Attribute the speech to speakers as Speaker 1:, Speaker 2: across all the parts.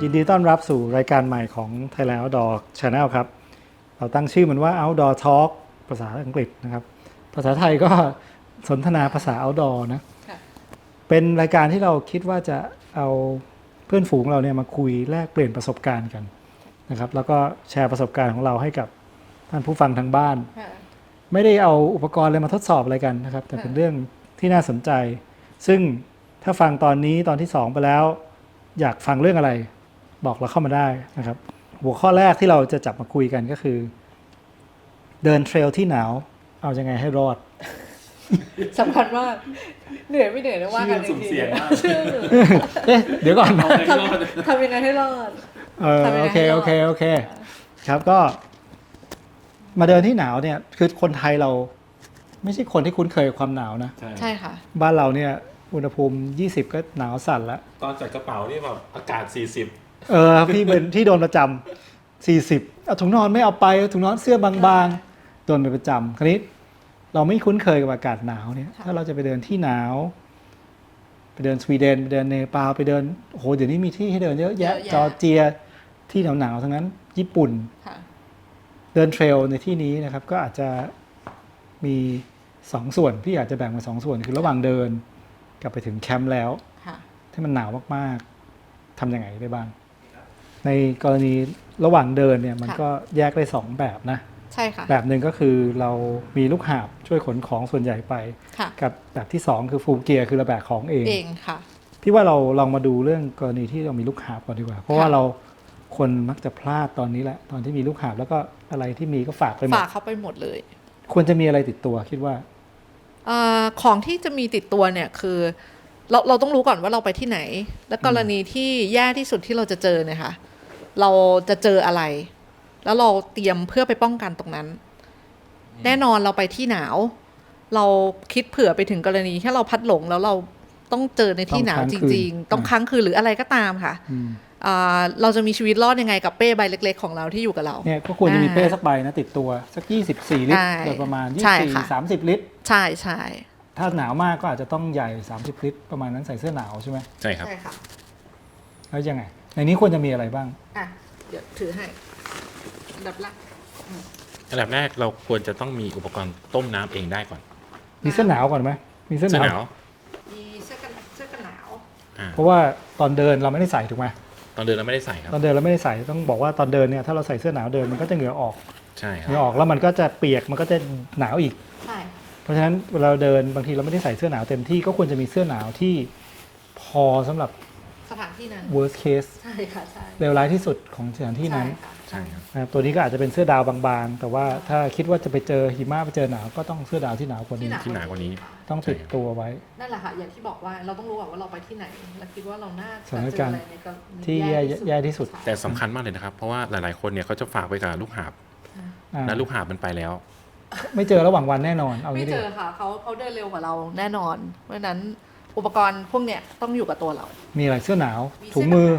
Speaker 1: ยินดีต้อนรับสู่รายการใหม่ของ Thailand Outdoor Channel ครับเราตั้งชื่อมันว่า Outdoor Talk ภาษาอังกฤษนะครับภาษาไทยก็สนทนาภาษา Outdoor นะเป็นรายการที่เราคิดว่าจะเอาเพื่อนฝูงเราเนี่ยมาคุยแลกเปลี่ยนประสบการณ์กันนะครับแล้วก็แชร์ประสบการณ์ของเราให้กับท่านผู้ฟังทางบ้านไม่ได้เอาอุปกรณ์อะไรมาทดสอบอะไรกันนะครับแต่เป็นเรื่องที่น่าสนใจซึ่งถ้าฟังตอนนี้ตอนที่2ไปแล้วอยากฟังเรื่องอะไรบอกเราเข้ามาได้นะครับหัวข้อแรกที่เราจะจับมาคุยกันก็คือเดินเทรลที่หนาวเอายังไงให้รอด
Speaker 2: สำคัญมากเหนื่อยไม่เหนื่อยนะว่ากันอีกที
Speaker 1: เดี๋ยวก่อน
Speaker 2: ทำยังไงให้รอด
Speaker 1: โอเคครับก็มาเดินที่หนาวเนี่ยคือคนไทยเราไม่ใช่คนที่คุ้นเคยกับความหนาวนะ
Speaker 2: ใช่ค่ะ
Speaker 1: บ้านเราเนี่ยอุณหภูมิ20ก็หนาวสั่นแล้ว
Speaker 3: ตอนจัดกระเป๋านี่แบบอากาศ40
Speaker 1: พี่เป็นที่โดนประจำ40เอาถุงนอนไม่เอาไปถุงนอนเสื้อบางๆโดนเป็นประจำคราวนี้เราไม่คุ้นเคยกับอากาศหนาวเนี่ยถ้าเราจะไปเดินที่หนาวไปเดินสวีเดนไปเดินเนปาลไปเดินโอ้โหเดี๋ยวนี้มีที่ให้เดินเยอะแยะจอร์เจียที่หนาวๆทั้งนั้นญี่ปุ่นเดินเทรลในที่นี้นะครับก็อาจจะมี2ส่วนพี่อาจจะแบ่งเป็น2ส่วนคือระหว่างเดินกลับไปถึงแคมป์แล้วที่มันหนาวมากๆทำยังไงได้บ้างในกรณีระหว่างเดินเนี่ยมันก็แยกได้2แบบนะ
Speaker 2: ใช่ค่ะ
Speaker 1: แบบหนึ่งก็คือเรามีลูกหาบช่วยขนของส่วนใหญ่ไปกับแบบที่2คือฟูลเกียร์คือเราแบกของเอง
Speaker 2: ค่ะ
Speaker 1: พี่ว่าเราลองมาดูเรื่องกรณีที่เรามีลูกหาบก่อนดีกว่าเพราะว่าเราคนมักจะพลาดตอนนี้แหละตอนที่มีลูกหาบแล้วก็อะไรที่มีก็ฝากไปหมด
Speaker 2: ฝากเขาไปหมดเลย
Speaker 1: ควรจะมีอะไรติดตัวคิดว่า
Speaker 2: ของที่จะมีติดตัวเนี่ยคือเราต้องรู้ก่อนว่าเราไปที่ไหนและกรณีที่แย่ที่สุดที่เราจะเจอเนี่ยค่ะเราจะเจออะไรแล้วเราเตรียมเพื่อไปป้องกันตรงนั้นแน่นอนเราไปที่หนาวเราคิดเผื่อไปถึงกรณีแค่เราพัดหลงแล้วเราต้องเจอในที่หนาวจริงๆต้องค้างคืนหรืออะไรก็ตามค่ะเราจะมีชีวิตรอดยังไงกับเป้ใบเล็กๆของเราที่อยู่กับเรา
Speaker 1: เนี่ยก็ควรจะมีเป้สักใบนะติดตัวสัก24ลิตรโดยประมาณ24-30ลิตร
Speaker 2: ใช่
Speaker 1: ถ้าหนาวมากก็อาจจะต้องใหญ่30ลิตรประมาณนั้นใส่เสื้อหนาวใช่ไหม
Speaker 3: ใช่ครับ
Speaker 1: แล้วยังไงในนี้ควรจะมีอะไรบ้าง
Speaker 2: เดี๋ยวถือให้อันดับ
Speaker 3: แรกเราควรจะต้องมีอุปกรณ์ต้มน้ำเองได้ก่อน
Speaker 1: มีเสื้อหนาวก่อนไหมมีเสื้อหนาว
Speaker 2: มีเสื้อกันหนาว
Speaker 1: เพราะว่าตอนเดินเราไม่ได้ใส่ถูกไหม
Speaker 3: ตอนเดินเราไม่ได้ใส่ครับ
Speaker 1: ตอนเดินเราไม่ได้ใส่ต้องบอกว่าตอนเดินเนี่ยถ้าเราใส่เสื้อหนาวเดินมันก็จะเหงื่อออก
Speaker 3: ใช่ครับ
Speaker 1: เหงื่อออกแล้วมันก็จะเปียกมันก็จะหนาวอีก
Speaker 2: ใช่
Speaker 1: เพราะฉะนั้นเวลาเราเดินบางทีเราไม่ได้ใส่เสื้อหนาวเต็มที่ก็ควรจะมีเสื้อหนาวที่พอสำหรับ
Speaker 2: สถานที่นั้น
Speaker 1: worst case
Speaker 2: ใช่ค่ะใช่
Speaker 1: เลวร้ายที่สุดของสถานที่นั้น
Speaker 3: ใช่ครับ
Speaker 1: นะครับตัวนี้ก็อาจจะเป็นเสื้อดาวบางๆแต่ว่าถ้าคิดว่าจะไปเจอหิมะไปเจอหนาวก็ต้องเสื้อดาวที่หนาวกว่านี้
Speaker 3: ที่หนากว่านี้
Speaker 1: ต้องติดตัวไว้
Speaker 2: นั่นแหละค่ะอย่างที่บอกว่าเราต้องรู้ว่าเราไปที่ไหนและคิดว่าเราน่า
Speaker 1: จะเจออะไรในที่แย่ที่สุด
Speaker 3: แต่สำคัญมากเลยนะครับเพราะว่าหลายๆคนเนี่ยเขาจะฝากไปกับลูกหาบและลูกหาบมันไปแล้ว
Speaker 1: ไม่เจอระหว่างวันแน่นอนเอา
Speaker 2: ไม่เจอค่ะเขาเดินเร็วกว่าเราแน่นอนเพราะฉะนั้นอุปกรณ์พวกเนี้ยต้องอยู่กับตัวเรา
Speaker 1: มีอะไรเสื้อหนาวถุงมือ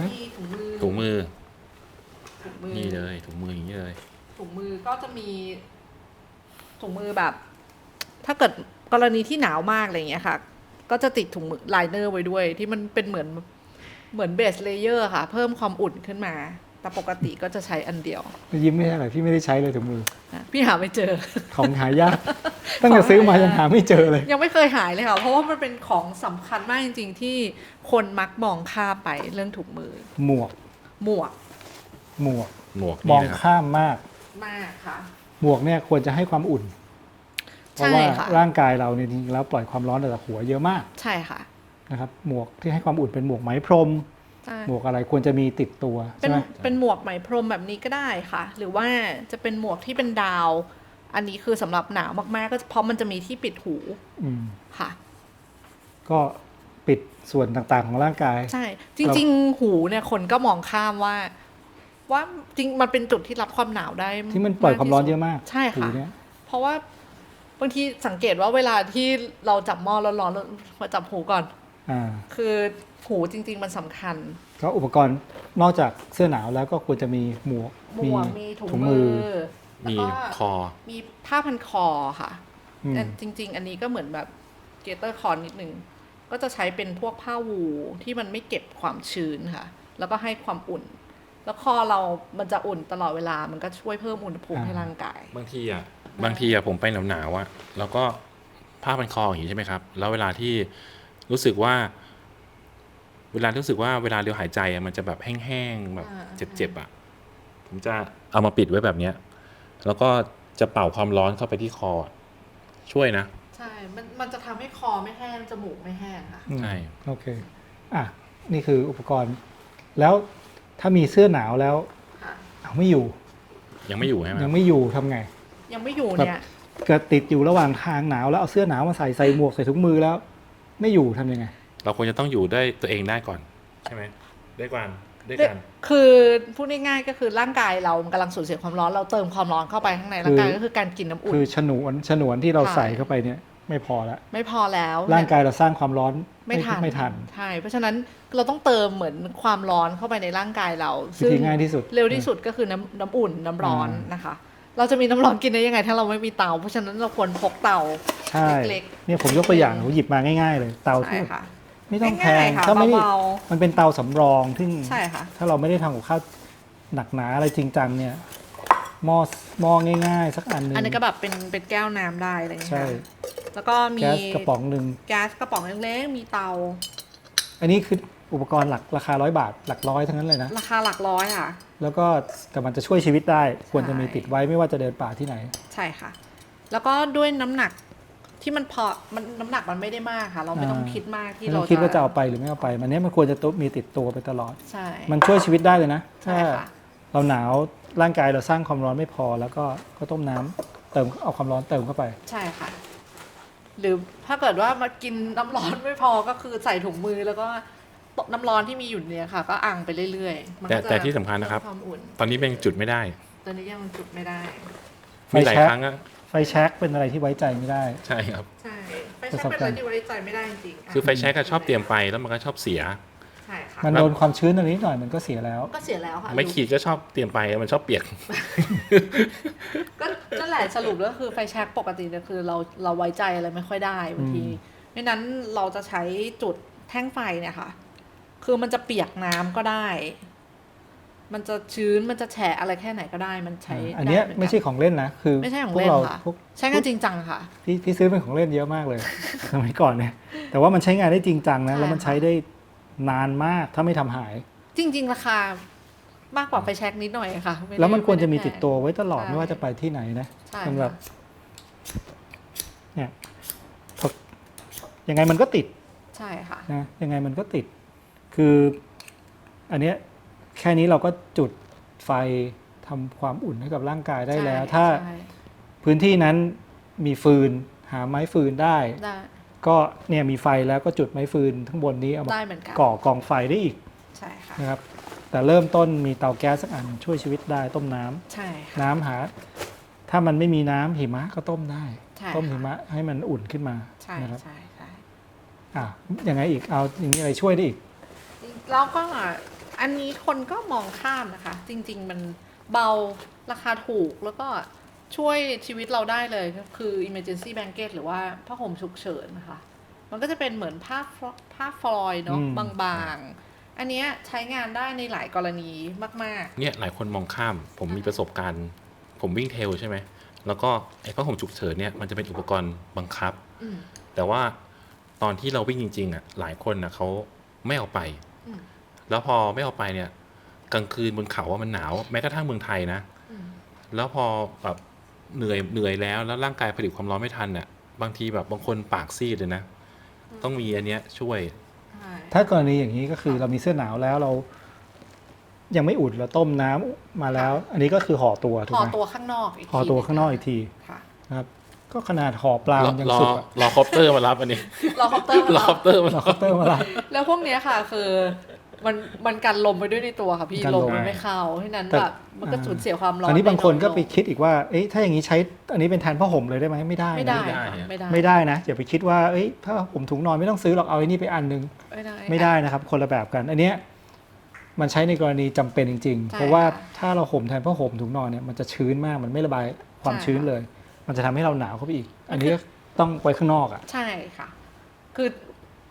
Speaker 3: นี่เลยถุงมืออย่างนี้เลย
Speaker 2: ถุงมือก็จะมีถุงมือแบบถ้าเกิดกรณีที่หนาวมากอะไรอย่างเงี้ยค่ะก็จะติดถุงมือไลเนอร์ไว้ด้วยที่มันเป็นเหมือนเบสเลเยอร์ค่ะเพิ่มความอุ่นขึ้นมาแต่ปกติก็จะใช้อันเดียว
Speaker 1: ยิ้มไม่ได้หรอพี่ไม่ได้ใช้เลยถุงมือ
Speaker 2: พี่หาไม่เจอ
Speaker 1: ของหายากตั้งแต่ซื้อมายังหาไม่เจอเลย
Speaker 2: ยังไม่เคยหายเลยค่ะเพราะว่ามันเป็นของสำคัญมากจริงๆที่คนมักมองข้ามไปเรื่องถุงมือ
Speaker 1: หมวกมองข้ามมาก
Speaker 2: ค่ะ
Speaker 1: หมวกเนี่ยควรจะให้ความอุ่นเพราะว่าร่างกายเราเนี่ยจริงๆแล้วปล่อยความร้อนออกจากหัวเยอะมาก
Speaker 2: ใช่ค่ะ
Speaker 1: นะครับหมวกที่ให้ความอุ่นเป็นหมวกไหมพรมหมวกอะไรควรจะมีติดตัวใช่ไหม
Speaker 2: เป็นหมวกไหมพรมแบบนี้ก็ได้ค่ะหรือว่าจะเป็นหมวกที่เป็นดาวอันนี้คือสำหรับหนาวมากๆก็เพราะมันจะมีที่ปิดหูค่ะ
Speaker 1: ก็ปิดส่วนต่างๆของร่างกาย
Speaker 2: ใช่จริงๆหูเนี่ยคนก็มองข้ามว่าจริงมันเป็นจุดที่รับความหนาวได้
Speaker 1: ที่มันปล่อยความร้อนเยอะมาก
Speaker 2: ใช่ค่ะเพราะว่าบางทีสังเกตว่าเวลาที่เราจับหม้อร้อนๆมาจับหูก่อนคือหูจริงๆมันสำคัญ
Speaker 1: ก็อุปกรณ์นอกจากเสื้อหนาวแล้วก็ควรจะมีหมวก
Speaker 2: มีถุงมือ
Speaker 3: มีคอ
Speaker 2: มีผ้าพันคอค่ะแต่จริงๆอันนี้ก็เหมือนแบบเกเตอร์คอนิดนึงก็จะใช้เป็นพวกผ้าวูที่มันไม่เก็บความชื้นค่ะแล้วก็ให้ความอุ่น แล้วคอเรามันจะอุ่นตลอดเวลามันก็ช่วยเพิ่มอุณหภูมิให้ร่างกาย
Speaker 3: บางทีผมไปหนาวๆอะแล้วก็ผ้าพันคออย่างนี้ใช่ไหมครับแล้วเวลาที่รู้สึกว่าเวลาเราหายใจอะมันจะแบบแห้งๆแบบเจ็บๆอะผมจะเอามาปิดไว้แบบเนี้ยแล้วก็จะเป่าความร้อนเข้าไปที่คอช่วยนะ
Speaker 2: ใช่มันจะทำให้คอไม่แห้งจมูกไม่แห้งค่ะ
Speaker 3: ใช่
Speaker 1: โอเคนี่คืออุปกรณ์แล้วถ้ามีเสื้อหนาวแล้วเอาไม่อยู่
Speaker 3: ยังไม่อยู่ใช่ไหม
Speaker 1: ยังไม่อยู่ทำไง
Speaker 2: ยังไม่อยู่เนี่ย
Speaker 1: เกิดติดอยู่ระหว่างทางหนาวแล้วเอาเสื้อหนาวมาใส่หมวกใส่ถุงมือแล้ว ไม่อยู่ทำยังไง
Speaker 3: เราควรจะต้องอยู่ได้ตัวเองได้ก่อนใช่ไหมด้วยกัน
Speaker 2: คือพูดง่ายๆก็คือร่างกายเรากำลังสูญเสียความร้อนเราเติมความร้อนเข้าไปข้างในร่างกายก็คือการกินน้ำอุ่น
Speaker 1: คือฉนวนที่เราใส่เข้าไปเนี่ยไม่พอแล้ว
Speaker 2: ไม่พอแล้ว
Speaker 1: ร่างกายเราสร้างความร้อน
Speaker 2: ไม่ทัน
Speaker 1: น
Speaker 2: ใช่เพราะฉะนั้นเราต้องเติมเหมือนความร้อนเข้าไปในร่างกายเรา
Speaker 1: วิธีง่ายที่สุด
Speaker 2: เร็วที่สุดก็คือน้ำอุ่นน้ำร้อนนะคะ เราจะมีน้ำร้อนกินได้ยังไงถ้าเราไม่มีเตาเพราะฉะนั้นเราควรพกเตา
Speaker 1: ใช่
Speaker 2: เล็ก
Speaker 1: เนี่ยผมยกตัวอย่างผมหยิบมาง่ายๆเลยเตา
Speaker 2: ใช่
Speaker 1: ที่
Speaker 2: ค่ะ
Speaker 1: ไม่ต้องแพ
Speaker 2: ง่าย
Speaker 1: ง
Speaker 2: ๆค่ะ
Speaker 1: ถ้าไม่ได้
Speaker 2: เบา
Speaker 1: มันเป็นเตาสำรองซึ่ง
Speaker 2: ใช่ค่ะ
Speaker 1: ถ้าเราไม่ได้ทำกับข้าวหนักหนาอะไรจริงจังเนี่ยหม้อง่ายๆ สักอันหนึง
Speaker 2: อันนี้ก็แบบเป็นแก้วน้ำได้อะไรอย่างเงี้ย
Speaker 1: ใช่
Speaker 2: ค่ะแล้วก็มี
Speaker 1: แก๊สกระป๋องหนึ่ง
Speaker 2: แก๊สกระป๋องเล็กๆมีเตา
Speaker 1: อันนี้คืออุปกรณ์หลักราคา100 บาทหลักร้อยทั้งนั้นเลยนะ
Speaker 2: ราคาหลักร้อยค่ะ
Speaker 1: แล้วก็แต่มันจะช่วยชีวิตได้ควรจะมี
Speaker 2: ใช่
Speaker 1: ติดไว้ไม่ว่าจะเดินป่าที่ไหน
Speaker 2: ใช่ค่ะ แล้วก็ด้วยน้ำหนักที่มันน้ำหนักมันไม่ได้มากค่ะ เราไม่ต้องคิดมากที่
Speaker 1: ไม่
Speaker 2: เรา
Speaker 1: ต้องคิดว่าจะเอาไปหรือไม่เอาไปมันเนี้ยมันควรจะมีติดตัวไปตลอด
Speaker 2: ใช่
Speaker 1: มันช่วยชีวิตได้เลยนะ
Speaker 2: ใช่
Speaker 1: ถ้า
Speaker 2: ค่ะ
Speaker 1: เราหนาวร่างกายเราสร้างความร้อนไม่พอ แล้วก็ต้มน้ำเติมเอาความร้อนเติมเข้าไป
Speaker 2: ใช่ค่ะ หรือถ้าเกิดว่ามากินน้ำร้อนไม่พอก็คือใส่ถุงมือแล้วก็น้ำร้อนที่มีอยู่เนี่ยค่ะ ก็อังไปเรื่อยๆมันก็จะ
Speaker 3: แต่ที่สำคัญนะครับ
Speaker 2: ความอุ่น
Speaker 3: ตอนนี้เป็นจุดไม่ได้
Speaker 2: ตอนนี้ยังจุดไม่ได้
Speaker 3: มีหลาย
Speaker 1: ไฟแช็ก
Speaker 3: ครั้งอะ
Speaker 1: ไฟแช็กเป็นอะไรที่ไว้ใจไม่ได้
Speaker 3: ใช่ครับ
Speaker 2: ใช่ไม่ใช่เป็นอะไรที่ไว้ใจไม่ได้จริงๆ
Speaker 3: คือไฟแช็กอะชอบเตรียมไปแล้วมันก็ชอบเสีย
Speaker 2: ใช่ค่ะ
Speaker 1: มันโดนความชื้นตรงนี้หน่อยมันก็เสียแล้ว
Speaker 2: ก็เสียแล้วค่ะ
Speaker 3: ไม่ขีดก็ชอบเตรียมไปแล้วมันชอบเปียก
Speaker 2: ก็นั่นแหละสรุปแล้วคือไฟแช็กปกติเนี่ยคือเราไว้ใจอะไรไม่ค่อยได้บางทีไม่นั้นเราจะใช้จุดแท่งไฟเนี่ยค่ะ คือมันจะเปียกน้ำก็ได้ มันจะชื้นมันจะแฉะอะไรแค่ไหนก็ได้มันใช้
Speaker 1: อันเนี้ย
Speaker 2: ด้หกั
Speaker 1: ไม่ใช่ของเล่นนะคือ
Speaker 2: ไม่ใช่ของ
Speaker 1: พว
Speaker 2: เล่
Speaker 1: ก
Speaker 2: น
Speaker 1: เรา
Speaker 2: ค่ะ
Speaker 1: พวก
Speaker 2: ใช้งานจริงจังค่ะ
Speaker 1: พี่ซื้อเป็นของเล่นเยอะมากเลย สมัยก่อนเนี่ยแต่ว่ามันใช้งานได้จริงจังนะ
Speaker 2: ใช่
Speaker 1: แล้วมันใช้ได้นานมากถ้าไม่ทำหาย
Speaker 2: จริง ๆ ราคามากกว่าไฟแช็กนิดหน่อยค่ะไได้
Speaker 1: แล้วมันควรจะมี
Speaker 2: ไได้
Speaker 1: ติดตัวไว้ตลอด
Speaker 2: ใช่
Speaker 1: ไม่ว่าจะไปที่ไหนนะ
Speaker 2: ใช่
Speaker 1: มันแบบ
Speaker 2: ค่ะ
Speaker 1: เนี่ยพอยังไงมันก็ติด
Speaker 2: ใช่ค่ะ
Speaker 1: นะยังไงมันก็ติด คืออันเนี้ยแค่นี้เราก็จุดไฟทำความอุ่นให้กับร่างกายได้แล้ว
Speaker 2: ใช่
Speaker 1: ถ้า
Speaker 2: ใช่
Speaker 1: พื้นที่นั้นมีฟืนหาไม้ฟืนได้
Speaker 2: ได้
Speaker 1: ก็เนี่ยมีไฟแล้วก็จุดไม้ฟืนข้างบนนี้เอามา
Speaker 2: ได้เหมือนกัน
Speaker 1: ก่อกองไฟได้อีก
Speaker 2: ใช่ค่ะ
Speaker 1: นะครับ แต่เริ่มต้นมีเตาแก๊สสักอันช่วยชีวิตได้ต้มน้ำ
Speaker 2: ใช่ค่ะ
Speaker 1: น้ำหา ถ้ามันไม่มีน้ำหิมะก็ต้มได้
Speaker 2: ใช่
Speaker 1: ต้ม
Speaker 2: ค่ะ
Speaker 1: หิมะให้มันอุ่นขึ้นมา
Speaker 2: ใช่
Speaker 1: นะครับ
Speaker 2: ใช่ใช่
Speaker 1: ยังไงอีกเอาอย่างนี้อะไรช่วยได้อีก
Speaker 2: แล้วก็อันนี้คนก็มองข้ามนะคะ จริง ๆ มันเบาราคาถูกแล้วก็ช่วยชีวิตเราได้เลยคือ emergency blanket หรือว่าผ้าห่มฉุกเฉินนะคะ มันก็จะเป็นเหมือนผ้าฟลอยด์เนาะ
Speaker 1: อืม
Speaker 2: บางๆ อันเนี้ยใช้งานได้ในหลายกรณีมาก
Speaker 3: เนี่ยหลายคนมองข้าม ผมมีประสบการณ์ ผมวิ่งเทรลใช่ไหมแล้วก็ไอ้ผ้าห่มฉุกเฉินเนี่ยมันจะเป็นอุปกรณ์บังคับ
Speaker 2: ๆอืม
Speaker 3: แต่ว่าตอนที่เราวิ่งจริงๆอ่ะหลายคนนะเขาไม่เอาไป
Speaker 2: อืม
Speaker 3: แล้วพอไม่เอาไปเนี่ยกลางคืนบนเขาว่ามันหนาวแม้กระทั่งเมืองไทยนะ
Speaker 2: อืม
Speaker 3: แล้วพอแบบเหนื่อยแล้วร่างกายผลิตความร้อนไม่ทันเนี่ยบางทีแบบบางคนปากซีดเลยนะ ต้องมีอันเนี้ยช่วย
Speaker 2: ใช่
Speaker 1: ถ้ากรณีอย่างนี้ก็คือเรามีเสื้อหนาวแล้วเรา ยังไม่อุ่นเราต้มน้ำมาแล้ว อันนี้ก็คือห่อตัวถูก
Speaker 2: ห่อ
Speaker 1: ไหม
Speaker 2: ตัวข้างนอกอีกที
Speaker 1: ห่อตัวข้างนอกอีกที
Speaker 2: ค่ะ
Speaker 1: นะครับ ก็ขนาดห่อปลามันยังสุกอะ
Speaker 3: รอคอปเตอร์มารับอันนี้
Speaker 2: รอคอปเตอร์มาร
Speaker 3: อคอปเตอร์มา
Speaker 1: เรา
Speaker 3: รับ
Speaker 1: เคาน์เตอร์มาละ
Speaker 2: แล้วพวกเนี้ยค่ะคือมันกันลมไปด้วยในตัวค่ะพี่
Speaker 1: กัน
Speaker 2: ล
Speaker 1: ล
Speaker 2: ม
Speaker 1: ม
Speaker 2: มันไม่เข้าที่นั้น
Speaker 1: แต่
Speaker 2: แบบมันก็สูญเสียความร้อน
Speaker 1: อันนี้บางคนก็ไป
Speaker 2: ด้อยลง
Speaker 1: คิดอีกว่า เอ๊ะถ้าอย่างนี้ใช้อันนี้เป็นแทนผ้าห่มเลยได้ไหมไม่ได้นะ
Speaker 2: ไม่ได้
Speaker 3: ไม่ได้
Speaker 2: ค่ะไม่ได้
Speaker 1: ไม่ได้นะอย่าไปคิดว่าเอ้ยถ้าผมถุงนอนไม่ต้องซื้อหรอกเอาไอ้นี่ไปอันนึง ไม่ได้นะครับ คนละแบบกัน อันเนี้ยมันใช้ในกรณีจำเป็นจริง ๆ
Speaker 2: ใช่
Speaker 1: เพราะว่า
Speaker 2: ค่ะ
Speaker 1: ถ้าเราห่มแทนผ้าห่มถุงนอนเนี่ยมันจะชื้นมากมันไม่ระบายความ
Speaker 2: ใช่
Speaker 1: ชื้นเลย มันจะทำให้เราหนาวเข้าไปอีก อันนี้ก็ต้องไว้ข้างนอกอ่ะ
Speaker 2: ใช่ค่ะ คือไป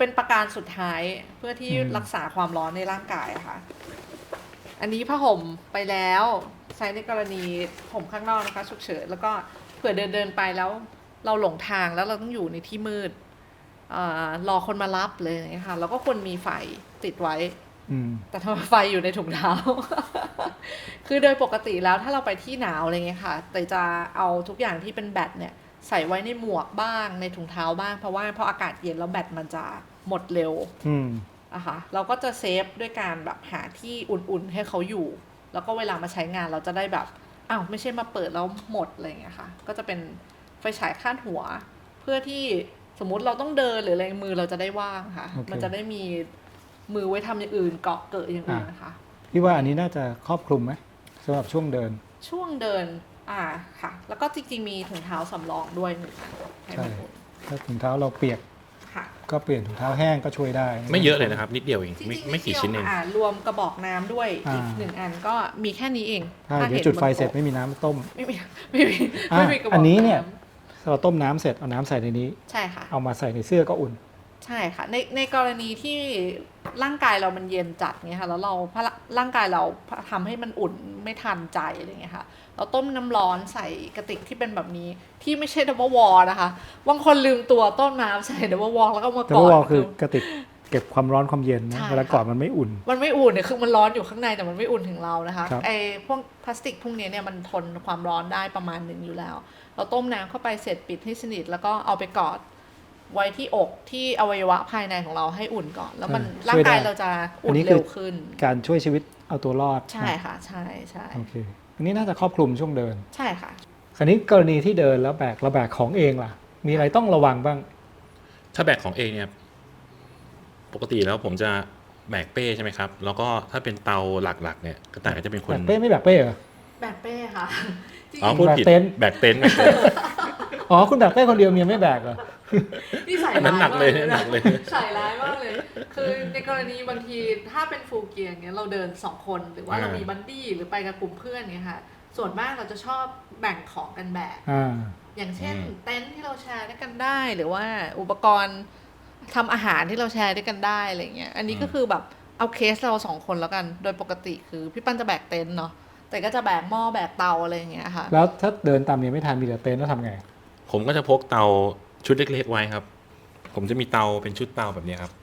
Speaker 2: เป็นประการสุดท้ายเพื่อที่รักษาความร้อนในร่างกายอะค่ะ อันนี้ผ้าห่มไปแล้วใช้ในกรณีห่มข้างนอกนะคะฉุกเฉินแล้วก็เผื่อเดินไปแล้วเราหลงทางแล้วเราต้องอยู่ในที่มืดรอคนมารับเลยนะคะแล้วก็ควรมีไฟติดไว้ แต่ทำไมไฟอยู่ในถุงเท้า คือโดยปกติแล้วถ้าเราไปที่หนาวอะไรเงี้ยค่ะแต่จะเอาทุกอย่างที่เป็นแบตเนี่ยใส่ไว้ในหมวกบ้างในถุงเท้าบ้างเพราะว่าพออากาศเย็นแล้วแบตมันจะหมดเร็วอะค่ะเราก็จะเซฟด้วยการแบบหาที่อุ่นๆให้เขาอยู่แล้วก็เวลามาใช้งานเราจะได้แบบอ้าวไม่ใช่มาเปิดแล้วหมดอะไรเงี้ยค่ะก็จะเป็นไฟฉายคาดหัวเพื่อที่สมมุติเราต้องเดินหรืออะไรมือเราจะได้ว่างค่ะ มันจะได้มีมือไว้ทำอย่างอื่นเกาะเกิดอย่างอื่นนะคะ
Speaker 1: พี่ว่าอันนี้น่าจะครอบคลุมไหมสำหรับช่วงเดิน
Speaker 2: ค่ะแล้วก็จริงๆมีถุงเท้าสำรองด้วย1 อัน
Speaker 1: ใช่ถ้าถุงเท้าเราเปียก
Speaker 2: ค่ะ
Speaker 1: ก็เปลี่ยนถุงเท้าแห้งก็ช่วยได้
Speaker 3: ไม่เยอะเลยนะครับนิดเดียวเองไม่กี่ชิ้นเอง
Speaker 2: รวมกระบอกน้ำด้วยอีก1 อันก็มีแค่นี้เอง
Speaker 1: เดี๋ยวจุดไฟเสร็จไม่มีน้ำต้ม
Speaker 2: ไม่มี
Speaker 1: กระบอกอันนี้เนี่ยเราต้มน้ำเสร็จเอาน้ำใส่ในนี้
Speaker 2: ใช่ค่ะ
Speaker 1: เอามาใส่ในเสื้อก็อุ่น
Speaker 2: ใช่ค่ะในกรณีที่ร่างกายเรามันเย็นจัดเงี้ยค่ะแล้วเราร่างกายเราทำให้มันอุ่นไม่ทันใจอะไรเงี้ยค่ะเราต้มน้ำร้อนใส่กระติกที่เป็นแบบนี้ที่ไม่ใช่ดับเบิลวอลนะคะบางคนลืมตัวต้มน้ำใส่ดับเบิลวอลแล้วก็มากอด
Speaker 1: ดับเบิลวอลคือกระติกเก็บความร้อนความเย็นนะเวลากอดมันไม่อุ่น
Speaker 2: เนี่ยคือมันร้อนอยู่ข้างในแต่มันไม่อุ่นถึงเรานะคะไอ้พวกพลาสติกพวกนี้เนี่ยมันทนความร้อนได้ประมาณนึงอยู่แล้วเราต้มน้ำเข้าไปเสร็จปิดให้สนิทแล้วก็เอาไปกอดไว้ที่อกที่อวัยวะภายในของเราให้อุ่นก่อนแล้วมันร่างกายเราจะอุ่นเร็วขึ้น
Speaker 1: การช่วยชีวิตเอาตัวรอด
Speaker 2: ใช่ค่ะใช่
Speaker 1: โอเคอันนี้น่าจะครอบคลุมช่วงเดิน
Speaker 2: ใช่ค่ะ
Speaker 1: คราวนี้กรณีที่เดินแล้วเราแบกของเองล่ะมีอะไรต้องระวังบ้าง
Speaker 3: ถ้าแบกของเองเนี่ยปกติแล้วผมจะแบกเป้ใช่ไหมครับแล้วก็ถ้าเป็นเตาหลักๆเนี่ยกระต่ายก็จะเป็นคน
Speaker 1: แบกเป้ไม่แบกเป้เหรอ
Speaker 2: แบกเป้ค่ะ
Speaker 3: พูดผิดแบกเต็นท์
Speaker 1: อ๋อคุณแบกเป้คนเดียวเมียไม่แบกเหรอ
Speaker 2: นี่ใส่ร้าย
Speaker 3: หนักเลยหนักเลย
Speaker 2: ใส่ร้ายมากเลยคือในกรณีบางทีถ้าเป็นฟูลเกียร์เงี้ยเราเดิน2 คนหรือว่าเรามีบัดดี้หรือไปกับกลุ่มเพื่อนเงี้ยค่ะส่วนมากเราจะชอบแบ่งของกันแบกอย่างเช่นเต็นท์ที่เราแชร์ด้วยกันได้หรือว่าอุปกรณ์ทำอาหารที่เราแชร์ด้วยกันได้อะไรเงี้ยอันนี้ก็คือแบบเอาเคสเรา2 คนแล้วกันโดยปกติคือพี่ปั้นจะแบกเต็นท์เนาะแต่ก็จะแบกหม้อแบกเตาอะไรอย่างเงี้ยค่ะ
Speaker 1: แล้วถ้าเดินตามนี้ไม่ทันมีแต่เต็นท์แล้วทำไง
Speaker 3: ผมก็จะพกเตาชุดเล็กๆไว้ครับผมจะมีเตาเป็นชุดเตาแบบนี้ครับ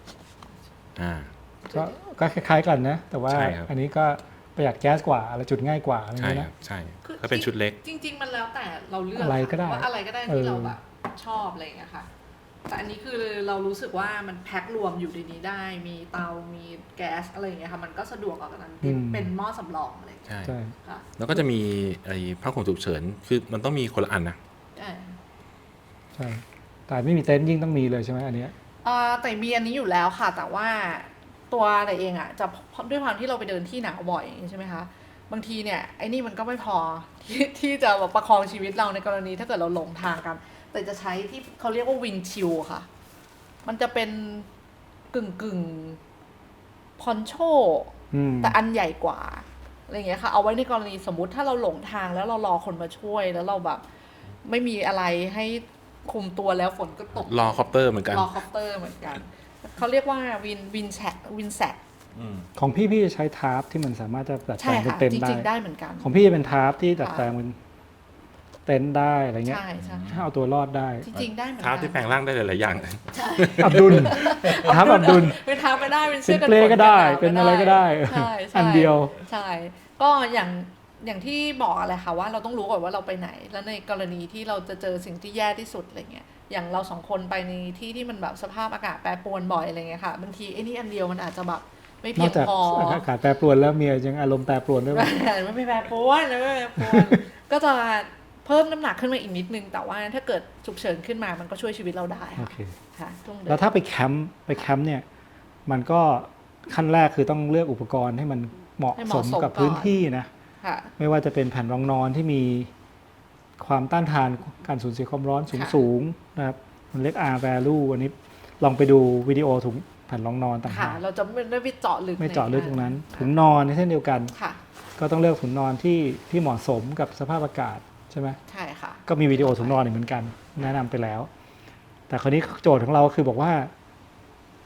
Speaker 1: ก็คล้ายๆกันนะแต่ว่าอันนี้ก็ประหยัดแก๊สกว่าอะไรจุดง่ายกว่าอะไรเงี้ยนะ
Speaker 3: ใช่ถ้าเป็นชุดเล็ก
Speaker 2: จริงๆมันแล้วแต่เราเลือก
Speaker 1: อะไรก็ได้
Speaker 2: ว่าอะไรก็ได้ที่เราแบบชอบอะไรอย่างเงี้ยค่ะแต่อันนี้คือเรารู้สึกว่ามันแพ็ครวมอยู่ในนี้ได้มีเตามีแก๊สอะไรอย่างเงี้ยค่ะมันก็สะดวกกว่านั้นเป็นหม้อสำรองอะไร
Speaker 3: ใช่แล้วก็จะมีไอ้ผ้าห่มฉุกเฉินคือมันต้องมีคนละอันนะ
Speaker 1: ใช่แต่ไม่มีเต็นท์ยิ่งต้องมีเลยใช่ไหมอันนี้
Speaker 2: แต่มีอันนี้อยู่แล้วค่ะแต่ว่าตัวแต่เองอ่ะจะด้วยความที่เราไปเดินที่หนาวบ่อยใช่ไหมคะบางทีเนี่ยไอ้นี่มันก็ไม่พอที่จะแบบประคองชีวิตเราในกรณีถ้าเกิดเราหลงทางกันแต่จะใช้ที่เขาเรียกว่าวินชิลค่ะมันจะเป็นกึ่งพอนโชแต่อันใหญ่กว่าอะไรอย่างเงี้ยค่ะเอาไว้ในกรณีสมมุติถ้าเราหลงทางแล้วเรารอคนมาช่วยแล้วเราแบบไม่มีอะไรให้คุมตัวแล้วฝนก็ตก
Speaker 3: รอคอปเตอร์เหมือนกัน
Speaker 2: เขาเรียกว่าวินแซก
Speaker 1: ของพี่จะใช้ทาร์ปที่มันสามารถจะดัดแปลงเป็นเต็นท์ได้
Speaker 2: จริงๆได้เหมือนกัน
Speaker 1: ของพี่จะเป็นทาร์ปที่ดัดแปลงเป็นเต็นท์ได้อะไรเงี้ยถ้าเอาตัวรอดได้
Speaker 2: จริงๆได้เหมือนกัน
Speaker 3: ทาร์ปที่แปลงร่างได้หลายๆอย่าง
Speaker 1: อับดุลทาร์ปอับดุล
Speaker 2: เป็นทาร์ปไม่ได้เป็นเสื้อกันฝน
Speaker 1: ก็ได้เป็นอะไรก็ได้อันเดียว
Speaker 2: ใช่ก็อย่างที่บอกอะไรค่ะว่าเราต้องรู้ก่อนว่าเราไปไหนแล้วในกรณีที่เราจะเจอสิ่งที่แย่ที่สุดอะไรเงี้ยอย่างเรา2 คนไปในที่มันแบบสภาพอากาศแปรปรวนบ่อยอะไรเงี้ยค่ะบางทีไอ้นี่อันเดียวมันอาจจะแบบไม่เพียงพอ
Speaker 1: อากาศแปรปรวนแล้วเมียยังอารมณ์แปรปรวนด้วย
Speaker 2: ไม่แปรปรวนก็จะเพิ่มน้ำหนักขึ้นมาอีกนิดนึงแต่ว่าถ้าเกิดฉุกเฉินขึ้นมามันก็ช่วยชีวิตเราได้ค่ะ
Speaker 1: แล้วถ้าไปแคมป์เนี่ยมันก็ขั้นแรกคือต้องเลือกอุปกรณ์ให้มันเหมาะสมกับพื้นที่นะไม่ว่าจะเป็นแผ่นรองนอนที่มีความต้านทานการสูญเสียความร้อนสูงนะครับมันเรียก R value อันนี้ลองไปดูวิดีโอถุงแผ่นรองนอนต่างหาก
Speaker 2: เราจะไม่ได้ไปเจาะลึก
Speaker 1: ตรงนั้นถุงนอนในเช่นเดียวกันก็ต้องเลือกถุงนอนที่เหมาะสมกับสภาพอากาศใช่ไหม
Speaker 2: ใช่ค่ะ
Speaker 1: ก็มีวิดีโอถุงนอนเหมือนกันแนะนำไปแล้วแต่คราวนี้โจทย์ของเราคือบอกว่า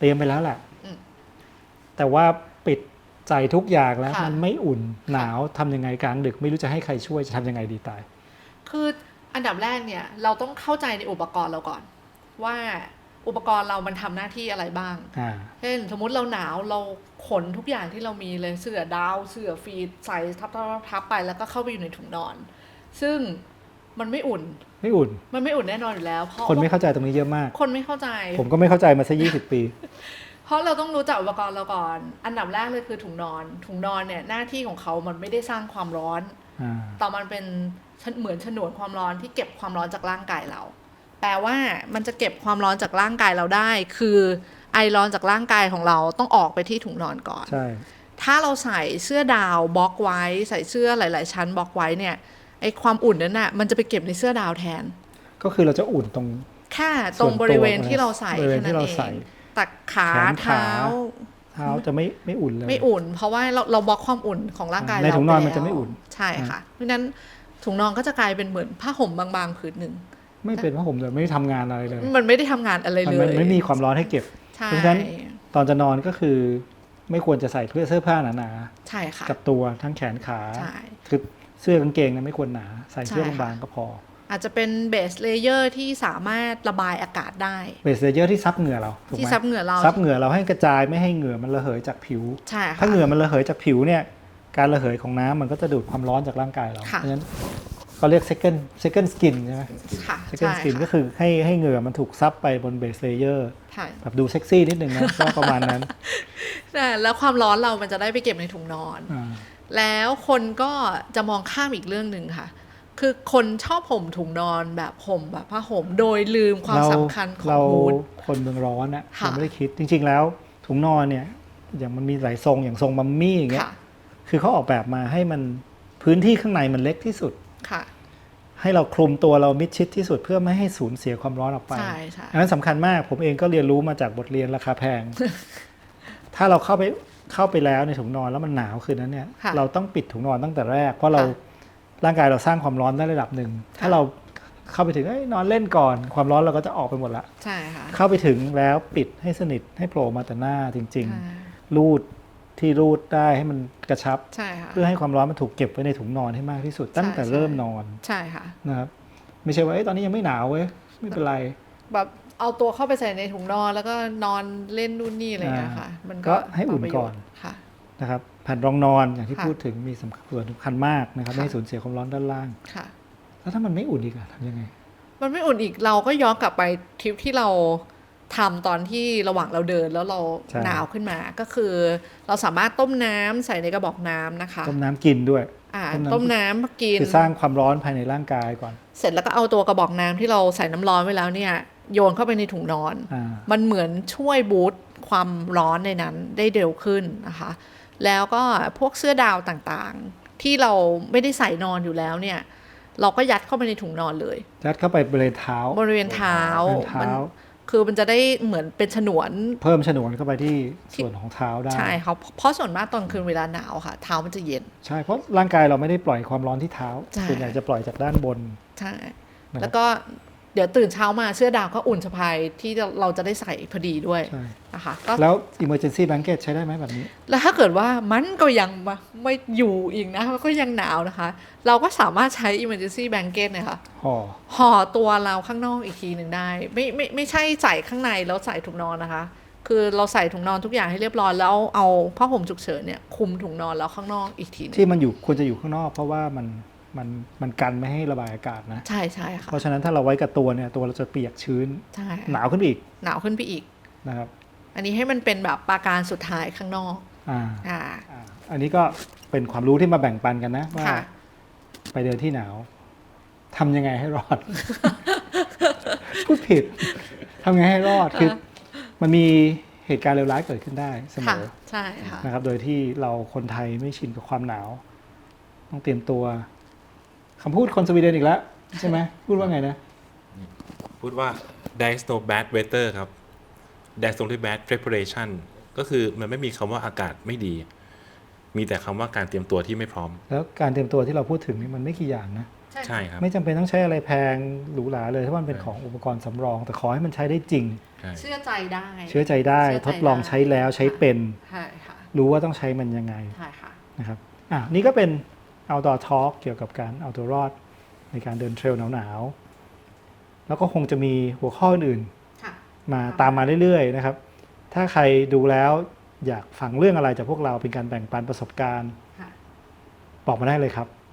Speaker 1: รียมไปแล้วแหละ
Speaker 2: อืม
Speaker 1: แต่ว่าปิดใจทุกอย่างแล้ว
Speaker 2: ค่ะ
Speaker 1: มันไม่อุ่นหนาวทำยังไงกลางดึกไม่รู้จะให้ใครช่วยจะทำยังไงดีตาย
Speaker 2: คืออันดับแรกเนี่ยเราต้องเข้าใจในอุปกรณ์เราก่อน ว่าอุปกรณ์เรามันทำหน้าที่อะไรบ้าง เช่นสมมุติเราหนาวเราขนทุกอย่างที่เรามีเลยเสื้อดาวเสื้อฟีดใส่ทับไปแล้วก็เข้าไปอยู่ในถุงนอน ซึ่งมันไม่อุ่น
Speaker 1: ไม่อุ่น
Speaker 2: มันไม่อุ่นแน่นอนอยู่แล้วเพราะ
Speaker 1: คนไม่เข้าใจตรงนี้เยอะมาก
Speaker 2: คนไม่เข้าใจ
Speaker 1: ผมก็ไม่เข้าใจมาซะ20 ปี
Speaker 2: เพราะเราต้องรู้จักอุปกรณ์เราก่อน อันดับแรกเลยคือถุงนอน ถุงนอนเนี่ยหน้าที่ของเขามันไม่ได้สร้างความร้อน แต่มันเป็นเหมือนฉนวนความร้อนที่เก็บความร้อนจากร่างกายเรา แปลว่ามันจะเก็บความร้อนจากร่างกายเราได้ คือไอร้อนจากร่างกายของเราต้องออกไปที่ถุงนอนก่อน
Speaker 1: ใช่
Speaker 2: ถ้าเราใส่เสื้อดาวบล็อกไว้ ใส่เสื้อหลาย ๆ ชั้นบล็อกไว้เนี่ยไอความอุ่นนั้นน่ะมันจะไปเก็บในเสื้อดาวแทน
Speaker 1: ก็คือเราจะอุ่นตรง
Speaker 2: แค่ตรงบริเวณที่เราใส่
Speaker 1: บริเวณ
Speaker 2: แค่นั้น
Speaker 1: ที่เรา
Speaker 2: เอ
Speaker 1: ใส่
Speaker 2: งตักขา
Speaker 1: แขนขา
Speaker 2: เท้า
Speaker 1: เท้าจะไม่อุ่นเลย
Speaker 2: ไม่อุ่น เพราะว่าเราบล็อกความอุ่นของร่างกาย
Speaker 1: ใน
Speaker 2: เรา
Speaker 1: ถุงนอน
Speaker 2: ป
Speaker 1: มันจะไม่อุ่น
Speaker 2: ใช่ค่ะ เพราะฉะนั้นถุงนอนก็จะกลายเป็นเหมือนผ้าห่มบางๆผืนหนึ่ง
Speaker 1: ไม่เป็นเพราะผมเลยไม่ได้ทำงานอะไรเลย
Speaker 2: มันไม่ได้ทำงานอะไร
Speaker 1: มัน
Speaker 2: เลย
Speaker 1: ไม่มีความร้อนให้เก็บ
Speaker 2: ใช่
Speaker 1: เพราะฉะนั้นตอนจะนอนก็คือไม่ควรจะใส่เสื้อผ้าหนา
Speaker 2: ใช่ค่ะ
Speaker 1: ๆกับตัวทั้งแขนขา
Speaker 2: ใช่
Speaker 1: คือเสื้อกางเกงเนี่ยไม่ควรหนาใส่เสื้อ
Speaker 2: ใช่ค่ะ
Speaker 1: บางๆก็พอ
Speaker 2: อาจจะเป็นเบสเลเยอร์ที่สามารถระบายอากาศได้
Speaker 1: เบสเลเยอร์ที่ซับเหงื่อเราถูกไหม
Speaker 2: ที่ซับเหงื่อเรา
Speaker 1: ซับเหงื่อเราให้กระจายไม่ให้เหงื่อมันระเหยจากผิว
Speaker 2: ใช่ค่ะ
Speaker 1: ถ้าเหงื่อมันระเหยจากผิวเนี่ยการระเหยของน้ำมันก็จะดูดความร้อนจากร่างกายเรา
Speaker 2: ค่ะ
Speaker 1: เพราะฉะนั้นเขาเรียก second skin ใช่ไหม
Speaker 2: ค่ะ
Speaker 1: second
Speaker 2: ใช่
Speaker 1: skin ก็
Speaker 2: ค่ะ
Speaker 1: คือให้เหงื่อมันถูกซับไปบน base layer
Speaker 2: ใช่
Speaker 1: แบบดูเซ็กซี่นิดนึงนะ ก็ประมาณนั้น
Speaker 2: แล้วความร้อนเรามันจะได้ไปเก็บในถุงนอน
Speaker 1: อ่า
Speaker 2: แล้วคนก็จะมองข้ามอีกเรื่องหนึ่งค่ะ คือคนชอบห่มถุงนอนแบบห่มแบบผ้าห่มโดยลืมความสำคัญของ
Speaker 1: เรา
Speaker 2: ฮูด
Speaker 1: คนเมืองร้อนอะ
Speaker 2: ค่ะ
Speaker 1: เราไม่ได้คิดจริง ๆ แล้วถุงนอนเนี่ยอย่างมันมีหลายทรงอย่างทรงมัมมี่อย่างเงี้ย
Speaker 2: ค่ะ
Speaker 1: คือเขาออกแบบมาให้มันพื้นที่ข้างในมันเล็กที่สุด
Speaker 2: ค่ะ
Speaker 1: ให้เราคลุมตัวเรามิดชิดที่สุดเพื่อไม่ให้สูญเสียความร้อนออกไป
Speaker 2: ใช่ใช่
Speaker 1: อันนั้นสำคัญมากผมเองก็เรียนรู้มาจากบทเรียนราคาแพง ถ้าเราเข้าไปแล้วในถุงนอนแล้วมันหนาวคืนนั้นเนี่ย
Speaker 2: ค่ะ
Speaker 1: เราต้องปิดถุงนอนตั้งแต่แรก เพราะเรา
Speaker 2: ค่ะ
Speaker 1: ร่างกายเราสร้างความร้อนได้ระดับหนึ่ง
Speaker 2: ค่ะ
Speaker 1: ถ้าเราเข้าไปถึงนอนเล่นก่อนความร้อนเราก็จะออกไปหมดละ
Speaker 2: ใช่ค่ะ
Speaker 1: เข้าไปถึงแล้วปิดให้สนิทให้โผล่มาแต่หน้าจริง
Speaker 2: ใช่
Speaker 1: ๆ รูดที่รูดได้ให้มันกระชับ
Speaker 2: ใช่ค่ะ
Speaker 1: เพื่อให้ความร้อนมันถูกเก็บไว้ในถุงนอนให้มากที่สุด ตั้งแต่
Speaker 2: ใช่
Speaker 1: เริ่มนอน
Speaker 2: ใช่ค่ะ
Speaker 1: นะครับไม่ใช่ว่าตอนนี้ยังไม่หนาวเว้ยไม่เป็นไร
Speaker 2: แบบเอาตัวเข้าไปใส่ในถุงนอนแล้วก็นอนเล่นนู่นนี่อะไรอย่างเงี้ยค่ะ มัน
Speaker 1: ก็ให้อุ่นก่อน
Speaker 2: ค่ะ
Speaker 1: นะครับแผ่นรองนอนอย่างที่
Speaker 2: ค่ะ
Speaker 1: พูดถึงมีส่วนสำคัญมากนะครับ
Speaker 2: ค่ะ
Speaker 1: ไม่ให้สูญเสียความร้อนด้านล่าง
Speaker 2: ค่ะ
Speaker 1: แล้วถ้ามันไม่อุ่นอีกอะทำยังไง
Speaker 2: มันไม่อุ่นอีกเราก็ย้อนกลับไปทริปที่เราทำตอนที่ระหว่างเราเดินแล้วเรา
Speaker 1: ใช่
Speaker 2: หนาวขึ้นมาก็คือ เราสามารถต้มน้ำใส่ในกระบอกน้ำนะคะ
Speaker 1: ต้มน้ำกินด้วย
Speaker 2: ต้มน้ำกิน
Speaker 1: คือสร้างความร้อนภายในร่างกายก่อน
Speaker 2: เสร็จแล้วก็เอาตัวกระบอกน้ำที่เราใส่น้ำร้อนไว้แล้วเนี่ยโยนเข้าไปในถุงนอน
Speaker 1: อ่า
Speaker 2: มันเหมือนช่วยบูตความร้อนในนั้นได้เร็วขึ้นนะคะ แล้วก็พวกเสื้อดาวต่างๆ ที่เราไม่ได้ใส่นอนอยู่แล้วเนี่ย เราก็ยัดเข้าไปในถุงนอนเลย
Speaker 1: ยัดเข้าไปบริเวณเท้า
Speaker 2: บริเวณเท้า
Speaker 1: บริเวณเท้า
Speaker 2: คือมันจะได้เหมือนเป็นฉนวน
Speaker 1: เพิ่มฉนวนเข้าไปที่ส่วนของเท้าได้
Speaker 2: ใช่ครับเพราะส่วนมากตอนคืนเวลาหนาวค่ะ เท้ามันจะเย็น
Speaker 1: ใช่เพราะร่างกายเราไม่ได้ปล่อยความร้อนที่เท้า
Speaker 2: ใช่
Speaker 1: ส่วนใหญ่จะปล่อยจากด้านบน
Speaker 2: ใช่
Speaker 1: นะครับ
Speaker 2: แล้วก็เดี๋ยวตื่นเช้ามาเสื้อดาวก็อุ่นสะพายที่เราจะได้ใส่พอดีด้วย
Speaker 1: ใช่
Speaker 2: นะคะก็
Speaker 1: แล้ว emergency blanket ใช้ได้ไหมแบบนี้
Speaker 2: แล้วถ้าเกิดว่ามันก็ยังไม่อยู่อีกนะก็ยังหนาวนะคะ เราก็สามารถใช้ emergency blanket เนี่ยค่ะ ห่อตัวเราข้างนอกอีกทีหนึ่งได้ ไม่ใช่ใส่ข้างในแล้วใส่ถุงนอนนะคะ คือเราใส่ถุงนอนทุกอย่างให้เรียบร้อยแล้วเอาผ้าห่มฉุกเฉินเนี่ยคลุมถุงนอนแล้วข้างนอกอีกทีหนึง
Speaker 1: ที่มันอยู่ควรจะอยู่ข้างนอก เพราะว่ามันกันไม่ให้ระบายอากาศนะ
Speaker 2: ใช่ใช่ค่ะ
Speaker 1: เพราะฉะนั้นถ้าเราไว้กับตัวเนี่ยตัวเราจะเปียกชื้น
Speaker 2: ใช่
Speaker 1: หนาวขึ้นไปอีก
Speaker 2: หนาวขึ้นไปอีก
Speaker 1: นะครับ
Speaker 2: อันนี้ให้มันเป็นแบบปราการสุดท้ายข้างนอก
Speaker 1: อ่า
Speaker 2: อ่า
Speaker 1: อันนี้ก็เป็นความรู้ที่มาแบ่งปันกันนะว่า
Speaker 2: ค่ะ
Speaker 1: ไปเดินที่หนาวทำยังไงให้รอด พูดผิดทำยังไงให้รอดคือมันมีเหตุการณ์เลวร้ายเกิดขึ้นได้เสม
Speaker 2: ค่ะ
Speaker 1: อ
Speaker 2: ใช่ค่ะ
Speaker 1: นะครับ โดยที่เราคนไทยไม่ชินกับความหนาว ต้องเตรียมตัวคำพูดคนสวีเดนอีกแล้วใช่ไหมพูดว่าไงนะ
Speaker 3: พูดว่า there is no bad weather ครับ there's only bad preparation ก็คือมันไม่มีคำว่าอากาศไม่ดี มีแต่คำว่าการเตรียมตัวที่ไม่พร้อม
Speaker 1: แล้วการเตรียมตัวที่เราพูดถึงนี่มันไม่กี่อย่างนะ
Speaker 3: ใช่ครับ
Speaker 1: ไม่จำเป็นต้องใช้อะไรแพงหรูหราเลยถ้ามันเป็นของอุปกรณ์สำรอง แต่ขอให้มันใช้ได้จริง
Speaker 3: ใช่
Speaker 2: เชื่อใจได้
Speaker 1: เชื่อใจได้
Speaker 2: เชื่อใจ
Speaker 1: ทดลองใช้แล้วใช้เป็น
Speaker 2: ใช่ค่ะ
Speaker 1: รู้ว่าต้องใช้มันยังไง
Speaker 2: ใช่ค่ะ
Speaker 1: นะครับนี่ก็เป็น outdoor talk เกี่ยวกับการเอาตัวรอดในการเดินเทรลหนาวๆแล้วก็คงจะมีหัวข้ออื่น
Speaker 2: ค่ะ
Speaker 1: มาตามมาเรื่อยๆนะครับ ถ้าใครดูแล้วอยากฟังเรื่องอะไรจากพวกเราเป็นการแบ่งปันประสบการณ์
Speaker 2: ค่ะ
Speaker 1: บอกมาได้เลยครับ